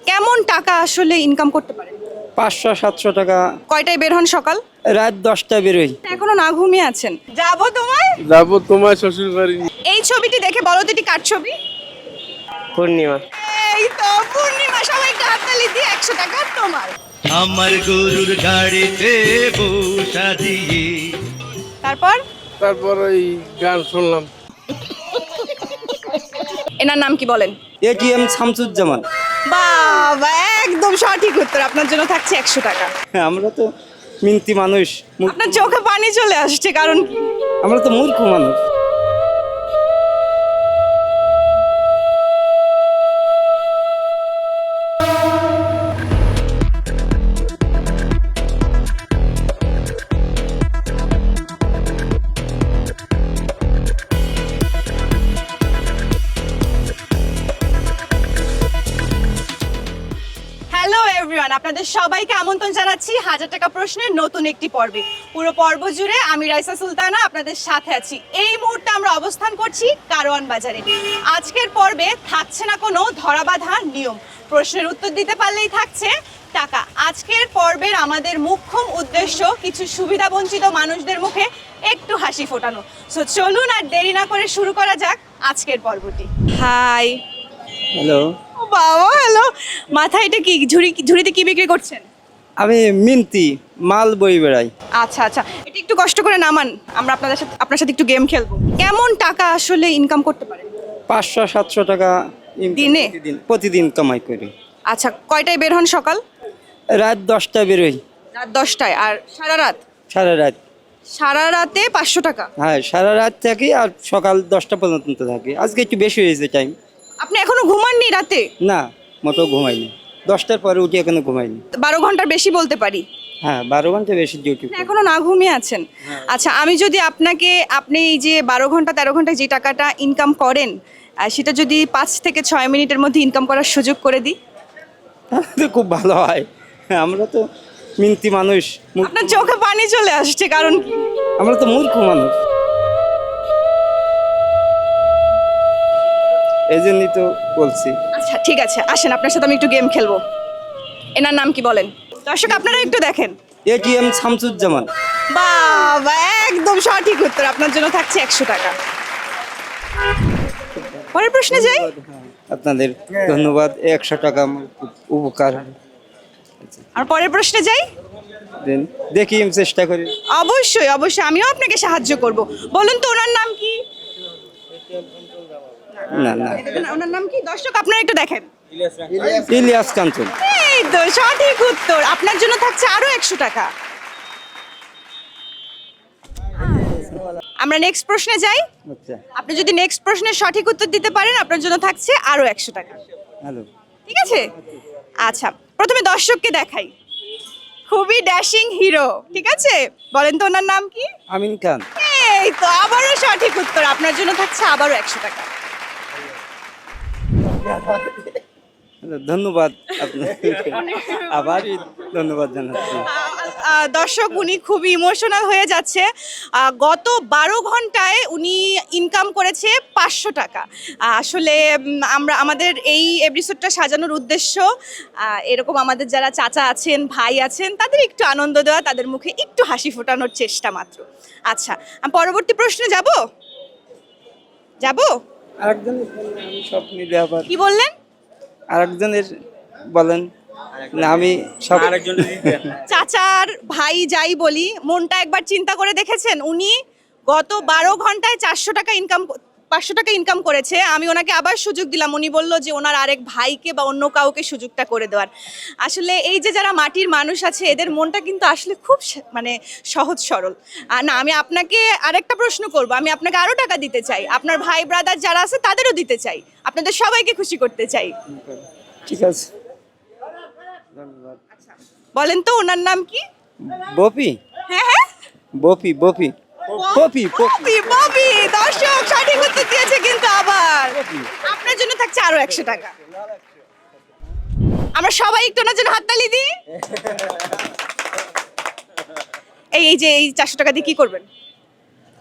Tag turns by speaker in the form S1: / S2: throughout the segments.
S1: কেমন টাকা আসলে ইনকাম করতে পারেন?
S2: 500-700 টাকা।
S1: কয়টায় বের হন সকাল?
S2: রাত 10টায় বেরোই।
S1: এখনো না ঘুমিয়ে আছেন? যাবো তোমায়।
S3: যাবো তোমার শ্বশুর বাড়ি।
S1: এই ছবিটি দেখে বলো তো এটি কার ছবি?
S2: পূর্ণিমা।
S1: এই তো পূর্ণিমা, সবাই একটু হাততালি দিয়ে 100 টাকা তোমার।
S4: আমার গরুর গাড়িতে বসা দিয়ে।
S1: তারপর
S3: তারপর ওই গান শুনলাম।
S1: এনার নাম কি বলেন?
S2: এটিএম শামসুজ্জামান।
S1: বাবা, একদম সঠিক উত্তর। আপনার জন্য থাকছে 100 টাকা।
S2: আমরা তো মিনতি মানুষ,
S1: আপনার চোখে পানি চলে আসছে, কারণ কি?
S2: আমরা তো মূর্খ মানুষ।
S1: হ্যালো এভরিওয়ান, আপনাদের সবাইকে আমন্ত্রণ জানাচ্ছি 1000 টাকা প্রশ্নের নতুন একটি পর্বে। পুরো পর্ব জুড়ে আমি রাইসা সুলতানা আপনাদের সাথে আছি। এই মুহূর্তে আমরা অবস্থান করছি কারওয়ান বাজারে। আজকের পর্বে থাকছে না কোনো ধরাবাঁধা নিয়ম, প্রশ্নের উত্তর দিতে পারলেই থাকছে টাকা। আজকের পর্বের আমাদের মুখ্যম উদ্দেশ্য কিছু সুবিধাবঞ্চিত মানুষদের মুখে একটু হাসি ফোটানো। সো চলুন আর দেরি না করে শুরু করা যাক আজকের পর্বটি। হাই।
S2: হ্যালো,
S1: বাবা হ্যালো, মাথায় এটা কি ঝুড়িতে কি বিক্রি করছেন?
S2: আমি মিনতি মাল বই বেড়াই।
S1: আচ্ছা আচ্ছা, এটা একটু কষ্ট করে নামান, আমরা আপনার সাথে একটু গেম খেলবো। কেমন টাকা আসলে ইনকাম করতে পারেন?
S2: 500-700 টাকা
S1: দিনে?
S2: প্রতিদিন কামাই করি।
S1: আচ্ছা, কয়টায় বের হন সকাল?
S2: রাত 10টায় বেরোই।
S1: রাত 10টায়। আর সারা রাত?
S2: সারা রাত।
S1: সারা রাতে 500 টাকা?
S2: হ্যাঁ, সারা রাত থাকি আর সকাল 10টা পর্যন্ত থাকি। আজকে একটু বেশি হয়েছে টাইম।
S1: আপনি এখনো ঘুমাননি রাতে?
S2: না, মতো ঘুমাইনি। 10টার পরে উঠে এখনো ঘুমাইনি।
S1: 12 ঘন্টার বেশি বলতে পারি?
S2: হ্যাঁ, 12 ঘন্টা বেশি ডিউটি।
S1: আপনি এখনো না ঘুমিয়ে আছেন? আচ্ছা, আমি যদি আপনি এই যে 12 ঘন্টা 13 ঘন্টায় যে টাকাটা ইনকাম করেন, সেটা যদি 5 থেকে 6 মিনিটের মধ্যে ইনকাম করার সুযোগ করে দিই?
S2: তো খুব ভালো হয়। আমরা তো মিনতি মানুষ,
S1: আপনার চোখে পানি চলে আসছে, কারণ কি?
S2: আমরা তো মূর্খ মানুষ। এই জন্যই তো বলছি।
S1: আচ্ছা ঠিক আছে, আসেন আপনার সাথে আমি একটু গেম খেলবো। এনার নাম কি বলেন? দর্শক আপনারা একটু দেখেন।
S2: এটিএম শামসুজ্জামান।
S1: বাবা, একদম সঠিক উত্তর। আপনার জন্য থাকছে 100 টাকা। পরের প্রশ্নে যাই।
S2: আপনাদের ধন্যবাদ। 100 টাকা আমার খুব উপকার হয়।
S1: আর পরের প্রশ্নে যাই।
S2: দেন দেখি, আমি চেষ্টা করি।
S1: অবশ্যই অবশ্যই, আমিও আপনাকে সাহায্য করব। বলুন তো ওনার নাম কি?
S2: না না,
S1: ওনার নাম কি? দর্শক আপনারা একটু দেখেন।
S2: ইলিয়াস কাঞ্চন।
S1: এই তো সঠিক উত্তর। আপনার জন্য থাকছে আরো 100 টাকা। আমরা নেক্সট প্রশ্নে যাই।
S2: আচ্ছা,
S1: আপনি যদি নেক্সট প্রশ্নের সঠিক উত্তর দিতে পারেন, আপনার জন্য থাকছে আরো 100 টাকা।
S2: হ্যালো।
S1: ঠিক আছে? আচ্ছা, প্রথমে দর্শককে দেখাই। খুবই ড্যাশিং হিরো, ঠিক আছে? বলেন তো ওনার নাম কি?
S2: আমিন খান।
S1: এই তো আবারও সঠিক উত্তর। আপনার জন্য থাকছে আবারও 100 টাকা।
S2: ধন্যবাদ আপনাকে, আবার ধন্যবাদ জানাচ্ছি।
S1: দর্শক, উনি খুবই ইমোশনাল হয়ে যাচ্ছে। গত 12 ঘন্টায় উনি ইনকাম করেছে 500 টাকা। আসলে আমাদের এই এপিসোডটা সাজানোর উদ্দেশ্য এরকম আমাদের যারা চাচা আছেন, ভাই আছেন, তাদের একটু আনন্দ দেওয়া, তাদের মুখে একটু হাসি ফোটানোর চেষ্টা মাত্র। আচ্ছা, আমি পরবর্তী প্রশ্নে যাব।
S2: আরেকজনের আমি সব মিলে আবার
S1: কি বললেন?
S2: আরেকজনের বলেন না, আমি সব আরেকজনের।
S1: চাচার ভাই যাই বলি, মনটা একবার চিন্তা করে দেখেছেন? উনি গত 12 ঘন্টায় 500 টাকা ইনকাম করেছে। আমি ওনাকে আবার সুযোগ দিলাম, উনি বললো যে ওনার আরেক ভাইকে বা অন্য কাউকে সুযোগটা করে দেওয়ার। আসলে এই যে যারা মাটির মানুষ আছে, এদের মনটা কিন্তু আসলে খুব মানে সহজ সরল। না, আমি আপনাকে আরেকটা প্রশ্ন করব। আমি আপনাকে আরো টাকা দিতে চাই, আপনার ভাই ব্রাদার যারা আছে তাদেরও দিতে চাই, আপনাদের সবাইকে খুশি করতে চাই।
S2: ঠিক আছে, ধন্যবাদ।
S1: বলেন তো ওনার নাম কি?
S2: বপি।
S1: হ্যাঁ হ্যাঁ,
S2: বপি বপি পপি পপি।
S1: ববি ববি। দর্শক সঠিক উত্তর দিয়েছে কিন্তু আবার। আপনার জন্য থাকছে আরো 100 টাকা। আমরা সবাই একটু ওনার জন্য হাততালি দিই। এই যে এই 400 টাকা দিয়ে কি করবেন?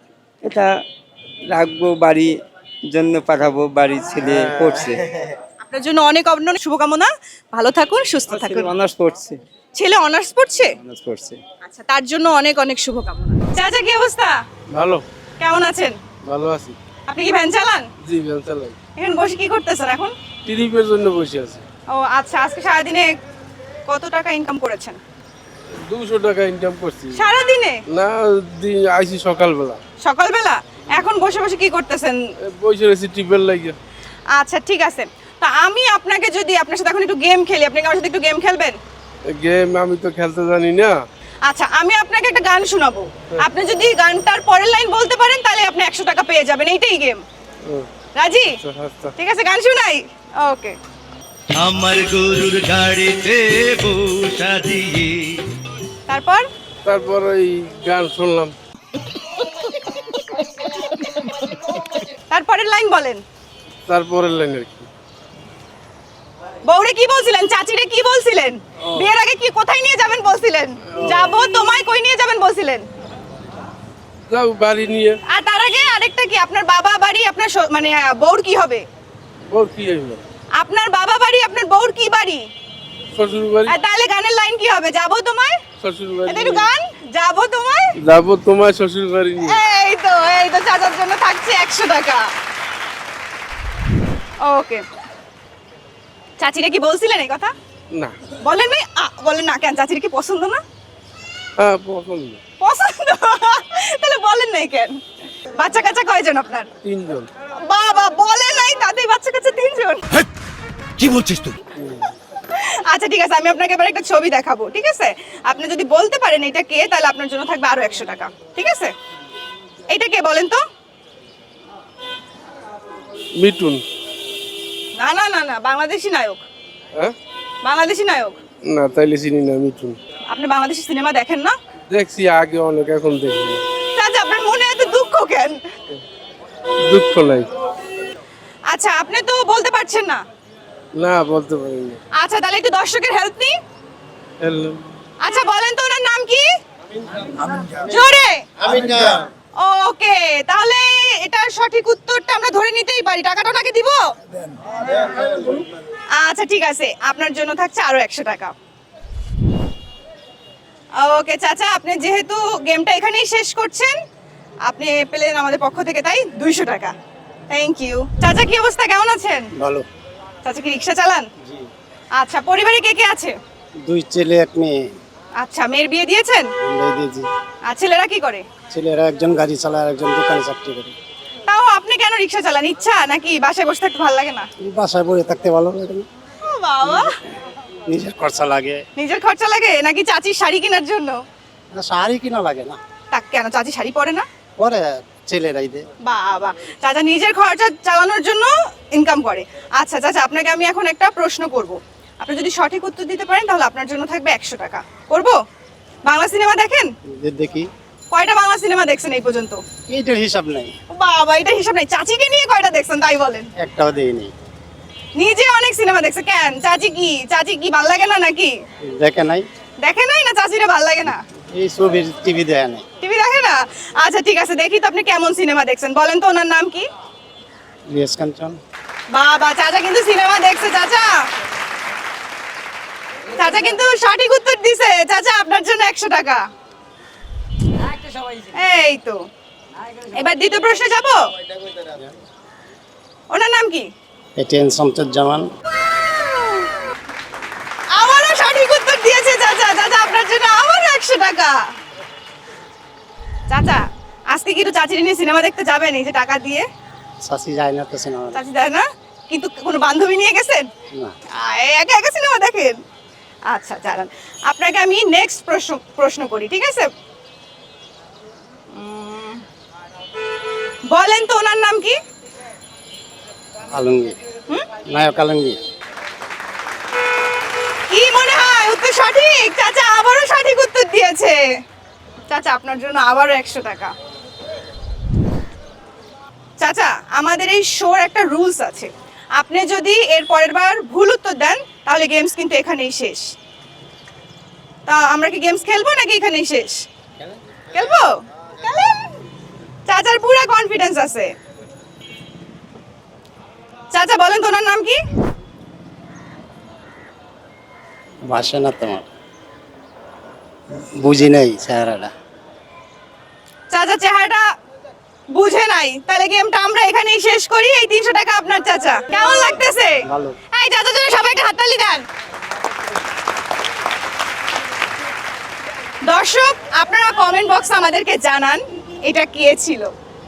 S2: এটা রাখবো, বাড়ির জন্য পাঠাবো, বাড়ির ছেলে পড়ছে।
S1: আপনার জন্য অনেক অনেক শুভকামনা, ভালো থাকুন, সুস্থ থাকুন।
S2: অনার্স পড়ছে।
S1: ছেলে অনার্স পড়ছে?
S2: অনার্স পড়ছে।
S1: আচ্ছা, তার জন্য অনেক অনেক শুভকামনা। চাচা কি অবস্থা?
S3: ভালো,
S1: কেমন আছেন?
S3: ভালো আছি।
S1: আপনি কি ভ্যান চালান?
S3: জি, ভ্যান চালাই।
S1: এখন বসে কি করতেছেন এখন?
S3: ট্রিপের জন্য বসে আছি।
S1: ও আচ্ছা, আজকে সারাদিনে কত টাকা ইনকাম করেছেন?
S3: 200 টাকা ইনকাম করছি।
S1: সারাদিনে?
S3: না, আইছি সকালবেলা।
S1: সকালবেলা? এখন বসে বসে কি করতেছেন?
S3: বসে রয়েছি ট্রিপের লাগে।
S1: আচ্ছা ঠিক আছে, তা আমি আপনাকে যদি আপনার সাথে এখন একটু গেম খেলি, আপনি কি আমার সাথে একটু গেম খেলবেন?
S3: গেম আমি তো খেলতে জানি না।
S1: আচ্ছা, আমি আপনাকে একটা গান শোনাবো, আপনি যদি গানটার পরের লাইন বলতে পারেন তাহলে আপনি 100 টাকা পেয়ে যাবেন, এইটাই গেম। রাজি?
S3: আচ্ছা।
S1: ঠিক আছে, গান শোনাই। ওকে।
S4: আমার গরুর গাড়িতে বসা দিয়ে
S1: তারপর
S3: এই গান শুনলাম।
S1: তারপরের লাইন বলেন।
S3: তারপরের লাইন আর কি।
S1: বউরে কি বলছিলেন? চাচিরে কি বলছিলেন? বিয়ের আগে কি কোথায় নিয়ে যাবেন বলছিলেন? যাবো তোমায় কই নিয়ে যাবেন বলছিলেন?
S3: যাও বাড়ি নিয়ে।
S1: আর তার আগে আরেকটা কি, আপনার বাবা বাড়ি আপনার মানে বউর কি হবে?
S3: ওর কি হইবে?
S1: আপনার বাবা বাড়ি আপনার বউর কি বাড়ি?
S3: শ্বশুর বাড়ি।
S1: আর তাহলে গানের লাইন কি হবে? যাবো তোমায়।
S3: শ্বশুর বাড়ি।
S1: এটা একটু গান, যাবো তোমায়।
S3: যাবো তোমার শ্বশুর বাড়ি নিয়ে।
S1: এই তো চাচার জন্য থাকছে 100 টাকা। ওকে। চাচিরে কি বলছিলেন এই কথা?
S3: না।
S1: বলেন নাই? বলেন না কেন? চাচিরে কি পছন্দ না?
S3: হ্যাঁ, পছন্দ।
S1: পছন্দ? তাহলে বলেন নাই কেন? বাচ্চা কাচ্চা কয়জন আপনার?
S3: 3 জন।
S1: বাবা, বলেন নাই তাতে বাচ্চা কাচ্চা 3 জন?
S4: কি বলছিস তুই?
S1: আচ্ছা ঠিক আছে, আমি আপনাকে এবার একটা ছবি দেখাবো, ঠিক আছে? আপনি যদি বলতে পারেন এটা কে, তাহলে আপনার জন্য থাকবে আরো 100 টাকা, ঠিক আছে? এটা কে বলেন তো?
S3: মিঠুন।
S1: না না না না, বাংলাদেশি নায়ক।
S3: হ্যাঁ?
S1: বাংলাদেশি নায়ক।
S3: না, তাইলে চিনি না মিঠুন।
S1: আপনি বাংলাদেশি সিনেমা দেখেন না?
S3: দেখছি আগে অনেক, এখন দেখি না।
S1: চাচা, আপনার মনে এত দুঃখ কেন?
S3: দুঃখ নাই।
S1: আচ্ছা, আপনি তো বলতে পারছেন না।
S3: না, বলতে পারি না।
S1: আচ্ছা, তাহলে একটু দর্শকের হেল্প নিই।
S3: হ্যালো।
S1: আচ্ছা বলেন তো ওনার নাম কি? জোরে। ওকে, তাহলে এটার সঠিক উত্তরটা আমরা ধরে নিতেই পারি, টাকাটা ওনাকে দিব? আচ্ছা ঠিক আছে, আপনার জন্য থাকছে আরো 100 টাকা। ওকে চাচা, আপনি যেহেতু গেমটা এখানেই শেষ করছেন, আপনি পেলেন আমাদের পক্ষ থেকে তাই 200 টাকা। Thank you. চাচা কি অবস্থা, কেমন আছেন?
S5: ভালো।
S1: চাচা কি রিক্সা চালান? আচ্ছা, পরিবারে কে কে আছে?
S5: 2 ছেলে 1 মেয়ে।
S1: আচ্ছা, মেয়ের বিয়ে দিয়েছেন?
S5: বিয়ে দিয়েছি।
S1: আর ছেলেরা কি করে?
S5: ছেলেরা একজন গাড়ি চালায় আর একজন দোকানে চাকরি করে।
S1: তাও আপনি কেন রিক্সা চালান? ইচ্ছা নাকি বাসায় বসে থাকতে ভালো লাগে না?
S5: বাসায় পড়ে থাকতে ভালো লাগে না।
S1: ও বাবা,
S5: নিজের খরচা লাগে।
S1: নিজের খরচা লাগে নাকি চাচির শাড়ি কেনার জন্য?
S5: না, শাড়ি কিনা লাগে না।
S1: তা কেন, চাচি শাড়ি পরে না?
S5: পরে ছেলেরাই দেয়।
S1: বাবা, চাচা নিজের খরচা চালানোর জন্য ইনকাম করে। আচ্ছা চাচা, আপনাকে আমি এখন একটা প্রশ্ন করব, আপনি যদি সঠিক উত্তর দিতে পারেন তাহলে আপনার জন্য থাকবে 100 টাকা। করব? বাংলা সিনেমা দেখেন?
S5: দেখি।
S1: কয়টা বাংলা সিনেমা দেখছেন এই পর্যন্ত?
S5: এইটার হিসাব নাই।
S1: ও বাবা, এটা হিসাব নাই। চাচিকে নিয়ে কয়টা দেখছেন তাই বলেন?
S5: একটাও দেয়নি।
S1: নিজে অনেক সিনেমা দেখছে, কেন? চাচি কি ভাল লাগে না নাকি?
S5: দেখে নাই।
S1: দেখে নাই না চাচিরে ভাল লাগে না?
S5: এই ছবির টিভি দেখে নাই।
S1: টিভি দেখে না? আচ্ছা ঠিক আছে, দেখি তো আপনি কেমন সিনেমা দেখছেন। বলেন তো ওনার নাম কি?
S5: রিয়াজ কাঞ্চন।
S1: বাবা, চাচা কিন্তু সিনেমা দেখছে। চাচা কিন্তু সঠিক উত্তর দিছে। চাচা, আপনার জন্য 100 টাকা। এই তো, এবার দ্বিতীয় প্রশ্নে যাব। ওনার নাম কি?
S5: এটিএন শামসুজ্জামান।
S1: আমারও সঠিক উত্তর দিয়েছে চাচা। চাচা, আপনার জন্য আবারও 100 টাকা। চাচা, আজকে কি একটু চাচির নিয়ে সিনেমা দেখতে যাবেন এই যে টাকা দিয়ে?
S5: শাসি যায় না তো সিনেমা।
S1: চাচি যায় না, কিন্তু কোনো বান্ধবী নিয়ে গেছেন?
S5: না।
S1: একা একা সিনেমা দেখেন? আচ্ছা দাঁড়ান, আপনাকে আমি নেক্সট প্রশ্ন করি, ঠিক আছে? বলেন তো ওনার নাম কি?
S5: আলমগীর। নায়ক আলমগীর।
S1: কি মনে হয় উত্তর সঠিক? চাচা আবারও সঠিক উত্তর দিয়েছে। চাচা, আপনার জন্য আবারও 100 টাকা। চাচা, আমাদের এই শোর একটা রুলস আছে, আপনি যদি এর পরের বার ভুল উত্তর দেন তাহলে গেমস কিন্তু এখানেই শেষ। তা আমরা কি গেমস খেলবো নাকি এখানেই শেষ? খেলবো? খেলেন। চাচার পুরো কনফিডেন্স আছে। চাচা, বলেন তো ওনার নাম কি?
S5: বাসে না তোমার, বুঝি নাই চেহারাটা।
S1: চাচা চেহারাটা বুঝে নাই, তাহলে গেমটা আমরা এখানেই শেষ করি। এই 300 টাকা আপনার চাচা। কেমন লাগতেছে?
S5: ভালো।
S1: এই চাচার জন্য সবাই একটা হাততালি দেন। দর্শক, আপনারা কমেন্ট বক্সে আমাদেরকে জানান এটা কে ছিল।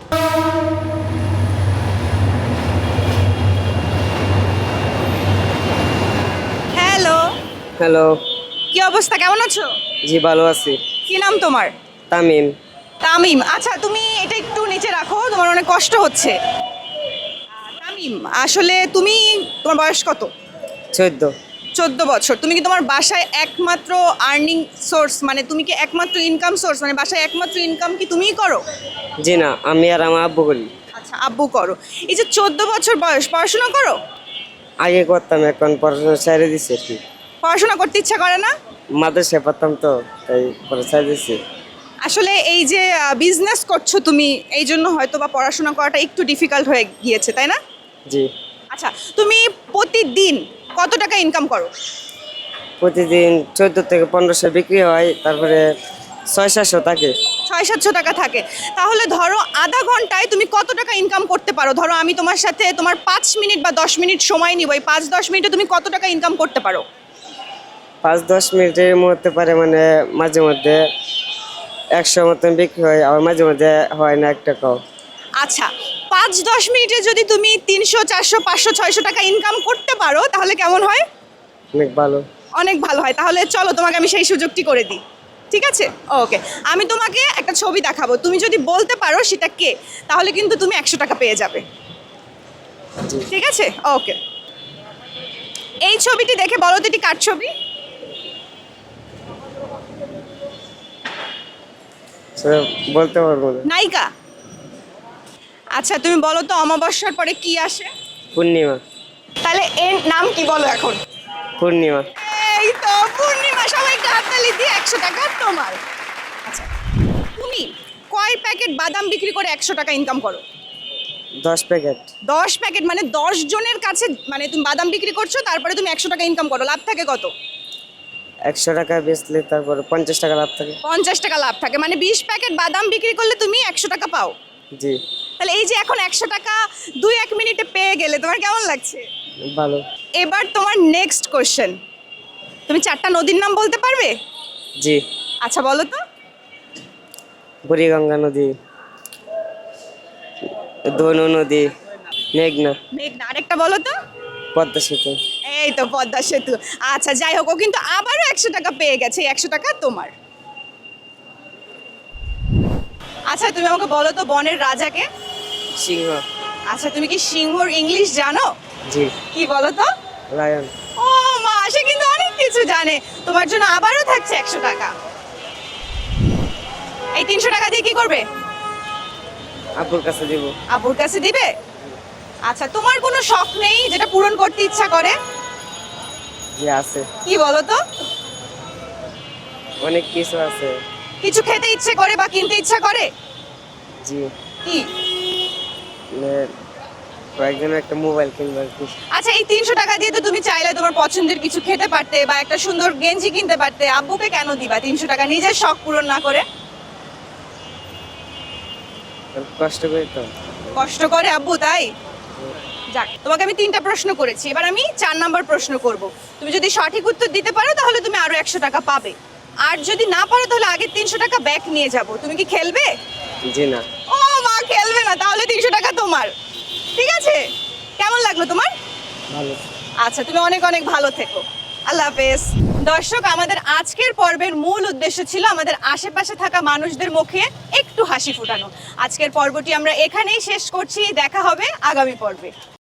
S1: হ্যালো,
S6: হ্যালো,
S1: কি অবস্থা, কেমন আছো?
S6: জি ভালো আছি।
S1: কি নাম তোমার?
S6: তামিম।
S1: তামিম। আচ্ছা, তুমি এটা একটু নিচে রাখো, তোমার অনেক কষ্ট হচ্ছে। তামিম, আসলে তোমার বয়স কত?
S6: 14।
S1: 14 বছর। তুমি কি তোমার বাসায় একমাত্র আর্নিং সোর্স, মানে তুমি কি একমাত্র ইনকাম সোর্স, মানে বাসায় একমাত্র ইনকাম কি তুমিই করো?
S6: জি না, আমি আর আমার আব্বু করি।
S1: আচ্ছা, আব্বু করো। এই যে 14 বছর বয়স, পড়াশোনা করো?
S6: আগে করতাম, এখন পড়াশোনা ছেড়ে দিচ্ছি আর কি।
S1: পড়াশোনা করতে ইচ্ছা করে না?
S6: মাদ্রাসায় পড়তাম তো, তাই পরে ছেড়ে দিচ্ছি।
S1: আসলে এই যে বিজনেস করছো তুমি, এই জন্য হয়তো বা পড়াশোনা করাটা একটু ডিফিকাল্ট হয়ে গিয়েছে, তাই না?
S6: জি।
S1: আচ্ছা, তুমি প্রতিদিন কত টাকা ইনকাম করো?
S6: প্রতিদিন 14 থেকে 1500 বিক্রি হয়, তারপরে 600-700 থাকে।
S1: 600-700 টাকা থাকে। তাহলে ধরো আধা ঘন্টায় তুমি কত টাকা ইনকাম করতে পারো? ধরো আমি তোমার সাথে তোমার 5 মিনিট বা 10 মিনিট সময় নিব, এই 5-10 মিনিটে তুমি কত টাকা ইনকাম করতে পারো?
S6: 5-10 মিনিটের মধ্যে পারে, মানে মাঝে মধ্যে 100 মতন বিক্রি হয়, আবার মাঝে মধ্যে হয় না 1 টাকাও।
S1: আচ্ছা, 5-10 মিনিটে যদি তুমি 300, 400, 500, 600 টাকা ইনকাম করতে পারো তাহলে কেমন হয়?
S6: অনেক ভালো।
S1: অনেক ভালো হয়। তাহলে চলো তোমাকে আমি সেই সুযোগটি করে দিই, ঠিক আছে? ওকে, আমি তোমাকে একটা ছবি দেখাবো, তুমি যদি বলতে পারো সেটা কে, তাহলে কিন্তু তুমি 100 টাকা পেয়ে যাবে, ঠিক আছে? ওকে, এই ছবিটি দেখে বলো তো এটি কার ছবি?
S6: বলতে পারবো না।
S1: নায়িকা। আচ্ছা, তুমি বলো তো অমাবস্যার পরে কি আসে?
S6: পূর্ণিমা।
S1: তাহলে এর নাম কি বলো এখন?
S6: পূর্ণিমা।
S1: এই তো পূর্ণিমা। সবাইকে হাততালি দিয়ে 100 টাকা তোমার। আচ্ছা, তুমি কয় প্যাকেট বাদাম বিক্রি করে 100 টাকা ইনকাম করো?
S6: 10 প্যাকেট।
S1: 10 প্যাকেট মানে 10 জনের কাছে, মানে তুমি বাদাম বিক্রি করছো, তারপরে তুমি 100 টাকা ইনকাম করো। লাভ থাকে কত?
S6: 100 টাকা বেচলে তারপরে 50 টাকা লাভ থাকে।
S1: 50 টাকা লাভ থাকে, মানে 20 প্যাকেট বাদাম বিক্রি করলে তুমি 100 টাকা পাও।
S6: জি।
S1: তাহলে এই যে এখন 100 টাকা 2-1 মিনিটে পেয়ে গেলে তোমার কেমন লাগছে?
S6: ভালো।
S1: এবার তোমার নেক্সট কোশ্চেন, তুমি 4টা নদীর নাম বলতে পারবে?
S6: জি।
S1: আচ্ছা বলো তো।
S6: বুড়িগঙ্গা নদী, ধনু নদী, মেঘনা,
S1: মেঘনা। আরেকটা বলো তো।
S6: পদ্মা সেতু।
S1: এই তো পদ্মা সেতু। আচ্ছা, যাই হোক, ও কিন্তু আবারও 100 টাকা পেয়ে গেছে। এই 100 টাকা তোমার। আচ্ছা, তুমি আমাকে বলো তো বনের রাজাকে?
S6: সিংহ।
S1: আচ্ছা, তুমি কি সিংহর ইংলিশ জানো?
S6: জি।
S1: কি বলো তো?
S6: লায়ন।
S1: ও মা, সে কিন্তু অনেক কিছু জানে। তোমার জন্য আবারও থাকছে 100 টাকা। এই 300 টাকা দিয়ে কি করবে?
S6: আব্বুর কাছে দিব।
S1: আব্বুর কাছে দিবে? আচ্ছা, তোমার কোনো শখ নেই যেটা পূরণ করতে ইচ্ছা করে?
S6: জি আছে,
S1: কি বলো তো?
S6: অনেক কিছু আছে।
S1: কিছু খেতে ইচ্ছে করে বা কিনতে ইচ্ছা করে?
S6: জি।
S1: কি?
S6: মানে কয়েকদিন একটা মোবাইল কিনবো আর কি।
S1: আচ্ছা, এই 300 টাকা দিয়ে তো তুমি চাইলে তোমার পছন্দের কিছু খেতে পারতে বা একটা সুন্দর গেঞ্জি কিনতে পারতে। আব্বুকে কেন দিবা 300 টাকা নিজের শখ পূরণ না করে?
S6: কষ্ট করি তো।
S1: কষ্ট করে আব্বু, তাই? যাক, তোমাকে আমি 3টা প্রশ্ন করেছি, এবার আমি 4 নাম্বার প্রশ্ন করব। তুমি যদি সঠিক উত্তর দিতে পারো তাহলে তুমি আরো 100 টাকা পাবে, আর যদি না পারো তাহলে আগের 300 টাকা ব্যাক নিয়ে যাব। তুমি কি খেলবে?
S6: জি না।
S1: ও মা, খেলবে না? তাহলে 300 টাকা তোমার, ঠিক আছে? কেমন লাগলো তোমার?
S6: ভালো।
S1: আচ্ছা, তুমি অনেক অনেক ভালো থেকো। আল্লাহ হাফেজ। দর্শক, আমাদের আজকের পর্বের মূল উদ্দেশ্য ছিল আমাদের আশেপাশে থাকা মানুষদের মুখে একটু হাসি ফোটানো। আজকের পর্বটি আমরা এখানেই শেষ করছি। দেখা হবে আগামী পর্বে।